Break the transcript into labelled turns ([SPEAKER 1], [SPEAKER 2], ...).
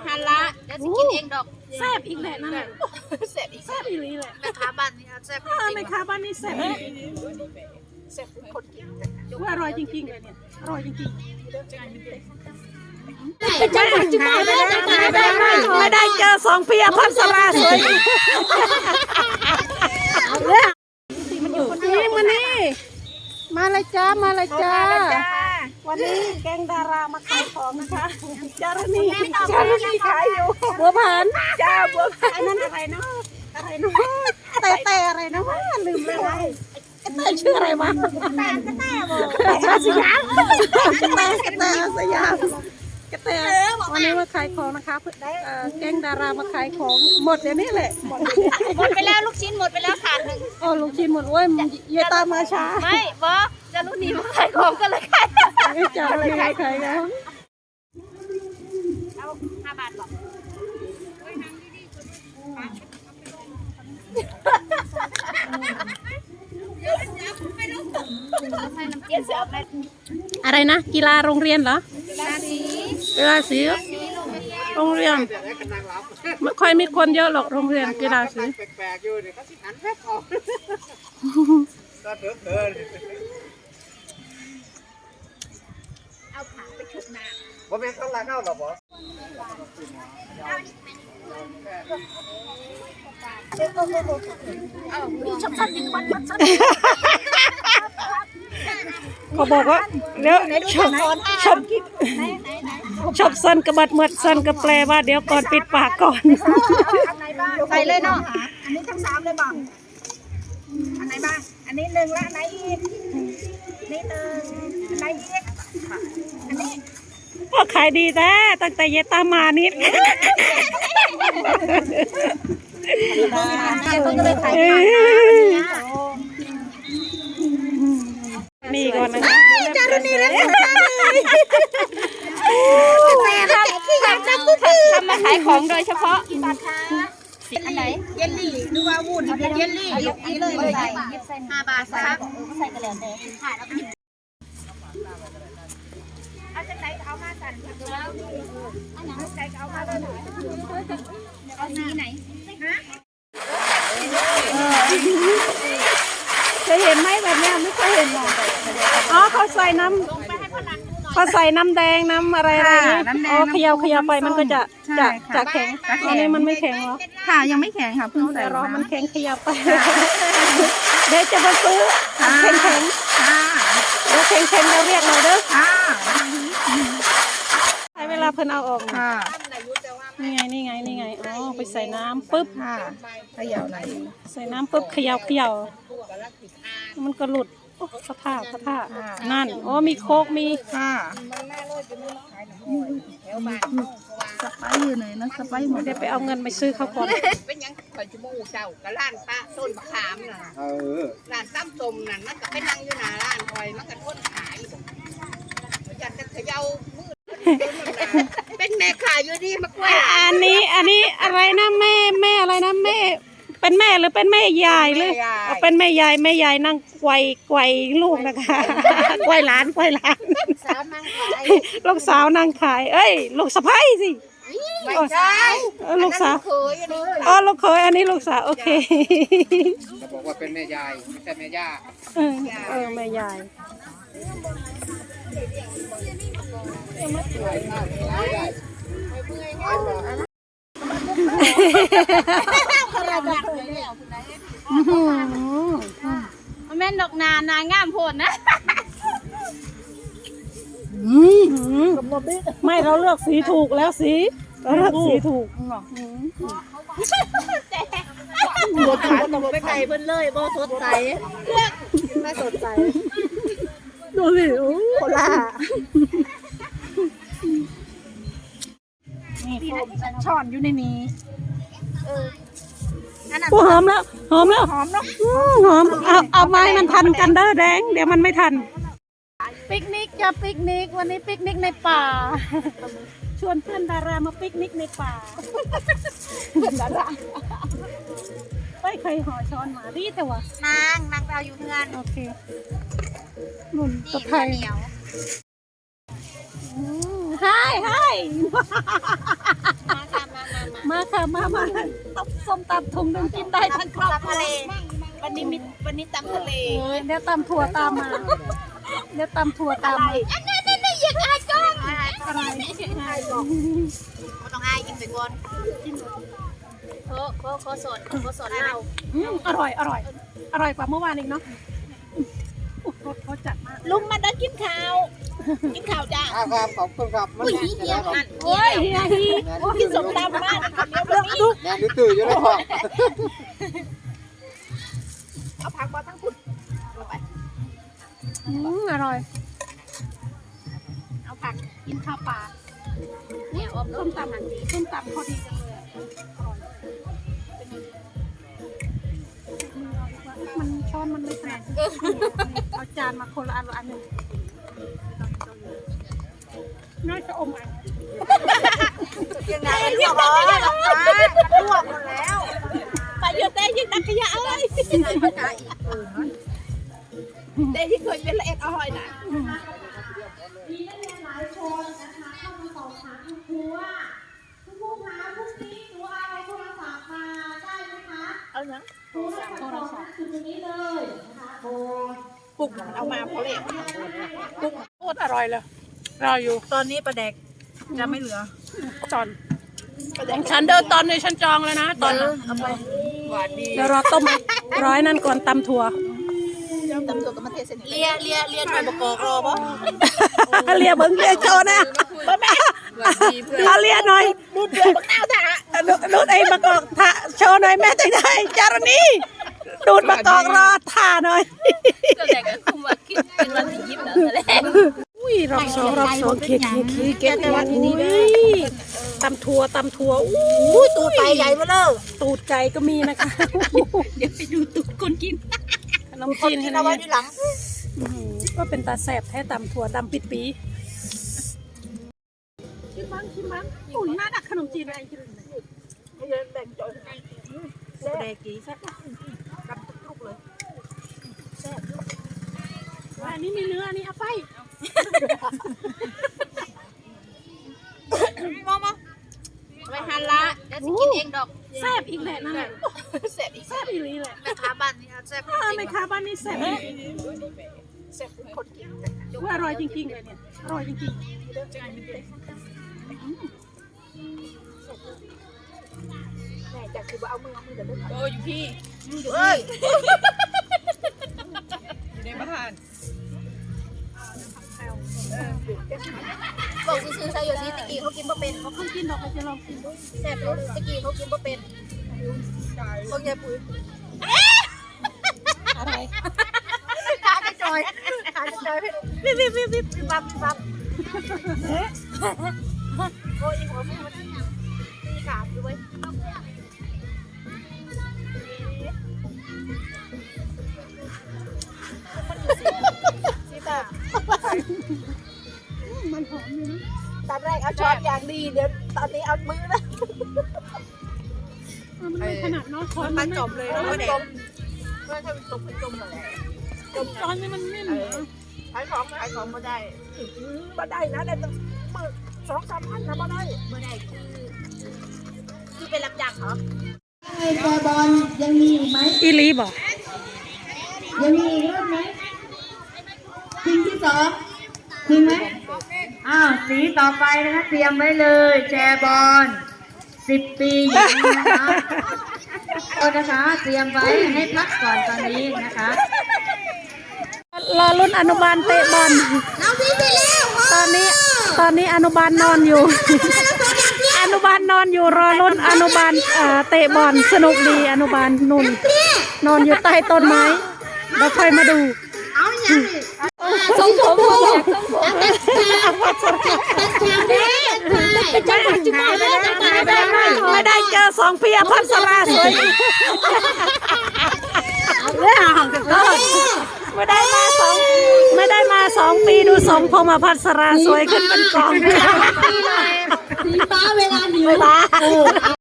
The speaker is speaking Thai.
[SPEAKER 1] ฮันละเดี๋ยวจะกินเองดอก
[SPEAKER 2] แซ่บอีกแหละนั่นแหละ
[SPEAKER 1] แซ่บอีก
[SPEAKER 2] แซ่บอีกแหละ
[SPEAKER 1] แม่ค้าบ้านนี่แซ่บ
[SPEAKER 2] ในค้าบ้านนี่แซ่บ
[SPEAKER 1] แซ่บคนกิน
[SPEAKER 2] ว่าอร่อยจริงๆเลยเนี่ยอร่อยจริงๆไม่ได้เจอสองพี่อภัสราสวยนี่มานี่มาเลยจ้ามาเลยจ้าวันนี้แกงดารามาขายของนะคะจารณีขายอยู่บัวผันจ้าบัวผันนั่นอะไรเนาะอะไรเนาะแต่อะไรเนาะลืมเลยแต่ชื่ออะไรวะแต่สยามแต่สยามแต่วันนี้มาขายของนะคะแกงดารามาขายของหมดเดี๋ยวนี้แหละหมด
[SPEAKER 1] ไปแล้วลูกชิ้นหมดไปแล้วขาดหนึ่ง
[SPEAKER 2] โอ้ลูกชิ้นหมดโอ้ยเยตามมาช้า
[SPEAKER 1] ไม่บอจะรุ่นนี้มาขายของกันเลยขาย
[SPEAKER 2] ไม่จ่ายไม่ขายแล้ว
[SPEAKER 1] เอา5 บาทบอก
[SPEAKER 2] อะไรนะกีฬาโรงเรียนเหรอกีฬาสีโรงเรียนไม่ค่อยมีคนเยอะหรอกโรงเรียนกีฬาสี
[SPEAKER 3] แปลกๆอยู่เนี่ยเขาสิหันแป๊บออกก็เถอะเกิน
[SPEAKER 1] เอาขาไปชุบน้ำ
[SPEAKER 3] บ่แม่นเขาลาเข้าหรอบ่
[SPEAKER 1] ชอบสั้นจริงวันสั้น
[SPEAKER 2] เขาบอกว่าเดี๋ยวชอบสั้นกระบัดเมื่อสั้นก็แปลว่าเดี๋ยวก่อนปิดปากก่อน
[SPEAKER 1] ใส่เลยเนาะ
[SPEAKER 4] อันนี้ทั้ง3เลยบ้างอันไหนบ้างอันนี้1และอันไหนอีกนี่1อันไหนอีกอันนี้
[SPEAKER 2] ก็ขายดีแท้ตั้งแต่เยตามานิดนี่ก่อนนะคะ
[SPEAKER 4] จารุณีแล้ว
[SPEAKER 1] ทำมาขายของโดยเฉพาะอันไหน
[SPEAKER 4] เยลลี่หรือว่าวุ้นเยลลี่ยกนี้เลย
[SPEAKER 1] 5 บาทครับใส่กระเหลี่ยงแดงค่ะแล้วก็
[SPEAKER 4] เอาจากไหนเอามาสั่นอันไหนเอามาเลย
[SPEAKER 1] เอาสีไหน
[SPEAKER 4] ฮะ
[SPEAKER 2] เคยเห็นไหมแบบนี้ไม่เคยเห็นหรอกอ๋อเขาใส่น้ำแดงน้ำอะไรอ๋อเขย่าไปมันก็จะแข็งอันนี้มันไม่แข็งหรอ
[SPEAKER 4] ค่ะยังไม่แข็งค่ะเพิ่งใส่
[SPEAKER 2] รอมันแข็งเขย่าไปเดี๋ยวจะมาซื้อแข็งเดี๋ยวแข็งเราเรียกหน่อยเด้อใช้เวลาเพิ่นเอาออกนี่ไงอ๋อไปใส่น้ำปุ๊บ
[SPEAKER 4] เขย่าไหน
[SPEAKER 2] ใส่น้ำปุ๊บเขย่ามันก็หลุดพระท่านั่นอ๋อมีโคกมี
[SPEAKER 4] สไปซ์อยู่ไหนนะสไปซ์หมด
[SPEAKER 2] เดี๋ยวไปเอาเงินไปซื้อเขาก่อน
[SPEAKER 1] เป็นยังคอยจมูกเจ้ากับร้านป้าต้นมะขามน่ะร้านตั้มส้มนั่นมันก็ไปนั่งอยู่หน้าร้านคอยมันก็ทนขายอยากจะเขย่ามือเป็นแม่ขายอยู่ดีมากล้วย
[SPEAKER 2] อันนี้อะไรนะแม่อะไรนะแม่เป็นแม่หรือเป็นแม่ยายเลยเป็นแม่ยายนั่งไกวลูกนะคะไกวหลานลูกสาวนั่งขายเอ้ยลูกสะใภ้สิ
[SPEAKER 1] ไม่ใช่
[SPEAKER 2] ลูกสาวอ๋อลูกเขยอันนี้ลูกสาวโอเค
[SPEAKER 3] จะบอกว่าเป็นแม่ยายไม่ใช่แม่ย่า
[SPEAKER 2] แม่ยาย
[SPEAKER 1] แม่นดอกนางามโพดนะ
[SPEAKER 2] ไม่เราเลือกสีถูกแล้วสีเราเลือกสีถูก
[SPEAKER 4] บัวขาวตกไปไก่เพิ่นเลยบ่สดใสไม่สดใส
[SPEAKER 2] ดูสิโอ้โคล่า
[SPEAKER 4] นี่ช้อนอยู่ในนี้
[SPEAKER 2] หอมแล้วหอมเนาะเอาไม้มันทันกันเด้อแดงเดี๋ยวมันไม่ทันปิกนิกจะปิกนิกวันนี้ปิกนิกในป่าชวนเพื่อนดารามาปิกนิกในป่าเพื่อนดาราไม่เคยห่อช้อนมาดีแต่ว่าน
[SPEAKER 1] างไปเอาอยู่เพื่อน
[SPEAKER 2] โอเคนุ่นตะไคร้
[SPEAKER 1] เหนียว
[SPEAKER 2] ให้มาค่ะมาต้มส้มตำถุงหนึงกินได้ทั้งครอบครัว
[SPEAKER 4] ทะเลวันนี้ตำทะเล
[SPEAKER 2] เดี๋ยวตำถั่วตามมาเดี๋ยวตำถั่วตามมา
[SPEAKER 4] อันนี้อยากอายก้องอะไรก็ต้องอายกินไปก่อนโคสดเรา
[SPEAKER 2] อร่อยกว่าเมื่อวานอีกเนาะรสเขาจัดมาก
[SPEAKER 4] ลุงมาเดินกินข้าวจ้า
[SPEAKER 3] ครับขอบคุณครับมัน
[SPEAKER 4] อุ้ยเฮียหัน
[SPEAKER 2] โอ้ยเฮียฮี
[SPEAKER 4] กินสมตำมากเดี๋ยววันนี้
[SPEAKER 3] แม่ดูตื่นอยู่แล้วพ่อ
[SPEAKER 4] เอาผักมาทั้งคุณไป
[SPEAKER 2] อร่อย
[SPEAKER 4] เอาผัก
[SPEAKER 2] กินข้าวปลา
[SPEAKER 4] เนี่ยอม
[SPEAKER 2] ส้มตำพอดีจังเลยมันช้อนมันไม่แตกเอาจานมาคนละอันหนึ่งน่าจะอมอัน
[SPEAKER 4] ยังไงเรียบร้อยแล้วลวกหมดแล้วไปเยอะเต้ยิ่งนักขยะเอ้ยเต้ที่เคยเป็นละเอ็ดอร่อยนะ
[SPEAKER 5] มีนักเรียนหลายคนนะคะเข้ามาสอบถามคุณครูว่าคุณครูคะพรุ่งนี้หนูเอาโทรศัพท์มาได้ไหมคะ
[SPEAKER 4] เอาเนาะ
[SPEAKER 5] โทรศัพท์คือตรงนี้เลยนะคะโอ้
[SPEAKER 4] ปุกเอามาเพราะเละ
[SPEAKER 2] โคตรอร่อยเลยรออยู่
[SPEAKER 4] ตอนนี้ประแดกจะไม่เหลือ
[SPEAKER 2] จอนของฉันเดินตอนนี้ฉันจองแล้วนะตอนนั้น
[SPEAKER 4] เอาไปหวานดี
[SPEAKER 2] เดี๋ยวรอต้มร้อยนั่นก่อนตำถั่ว
[SPEAKER 4] ตำรวจก็มาเทศเลียหน่อยบกอกรอปะ
[SPEAKER 2] เลียเบิ้งเลียโชว์นะเราเลียหน่อย
[SPEAKER 4] ดูเดือดบักหน้าถ่า
[SPEAKER 2] ดูดไอ้มะกอกถ่าโชว์หน่อยแม่จังได้จารณีดูดมะกอกรอถ่าหน่อย
[SPEAKER 4] ก็แต่ก็คุมว่าคิดเป็นวันที่ยิ้มแล้วแหละ
[SPEAKER 2] อุ้ยรอบสองเค้กเก็บไว้ตำถั่วอู้
[SPEAKER 4] ตูดไปใหญ่มาเลย
[SPEAKER 2] ตูดไก่ก็มีนะคะเดี๋ยวไปดูตูดคนกินขนมจีน
[SPEAKER 4] กิ
[SPEAKER 2] ให้
[SPEAKER 4] น
[SPEAKER 2] นะ
[SPEAKER 4] เอาไว้ที่หลัง
[SPEAKER 2] ก็เป็นตาแสบแท้ตำถั่วดำปิดปีชิมมั้งอุ่นน่าดักขนมจีนอะไรกิน
[SPEAKER 4] ให้เดินแบ่งจอยแดกกี่แซ่บกับทุกเลย
[SPEAKER 2] อันนี้มีเนื้ออันนี้เอาไป
[SPEAKER 4] มาไปหันละเดี๋ยวจะกินเองดอก
[SPEAKER 2] แซ่บอีกแหละนั่นแหละ
[SPEAKER 4] แซ่บอีก
[SPEAKER 2] แซ่บอีหลีแหละ
[SPEAKER 4] แม่ค้าบ้านนี่แซ่บ
[SPEAKER 2] ในคาบ้านนี่แซ่บ
[SPEAKER 4] แซ่บคนกิน
[SPEAKER 2] ว่าอร่อยจริงๆเลยเนี่ยอร่อยจริง
[SPEAKER 4] แม่จากคือว่าเอามือเดี๋ยวเดิน
[SPEAKER 1] โอ้อยู่พี่
[SPEAKER 4] เฮ้ย
[SPEAKER 1] อยู่ในบ้าน
[SPEAKER 4] บอกซื้อใส่โยซีตะกี้เขากินบ่เป็น
[SPEAKER 2] ๆเขาเพิ่งกินดอกเราจะลองกินดู
[SPEAKER 4] แซ่บรู้ตะกี้เขากินบ่เป็นพวกยายปุ๋ย
[SPEAKER 2] อะไร
[SPEAKER 4] ขาจะจอยวิบบับโอ้ยหัวมือมันตีขาดด้วยซีตา
[SPEAKER 2] มันหอมอยู่นะ
[SPEAKER 4] ตอนแรกเอาช้อนอย่างดีเดี๋ยวตอนนี้เอามือนะ
[SPEAKER 2] มันไม่ขนาดน้อยช้อน
[SPEAKER 4] มั
[SPEAKER 2] มัน น
[SPEAKER 4] จมเลยแล้วก็เด็กเพื่อให้มันตกเป็นจมเลย
[SPEAKER 2] ช้อนนี่มันไม่เหมือน
[SPEAKER 4] ขายของมาได้มาได้นะได้ตั้งมือ2-3 พันนะมาได้มาได้คือเป็นรับจ้างเหรอ
[SPEAKER 5] ไอ้บอลยังมีอีกไหม
[SPEAKER 2] อีลีบอก
[SPEAKER 5] ยังมีอีกรอบไหมทีมที่สองทีมไหมอ้าวสีต่อไปนะคะเตรียมไว้เลยแชร์บอล10 ปีหญิงนะคะเอานะคะเตรียมไว้ให้พักก่อนตอนนี้นะคะ
[SPEAKER 2] รอรุ่นอนุบาลเตะบอลตอนนี้อนุบาลนอนอยู่ อนุบาลนอนอยู่รอรุ่นอนุบาลเตะบอลสนุกดีอนุบาลนุ่นนอนอยู่ใต้ต้นไม้เราค่อยมาดูทรงผมไม่ได้เจอ2 ปีอภัสราสวยไม่ได้มา2 ปีดูสมพงษ์อภัสราสวยขึ้นเป็นกอง
[SPEAKER 5] สีฟ้าเวลาหิว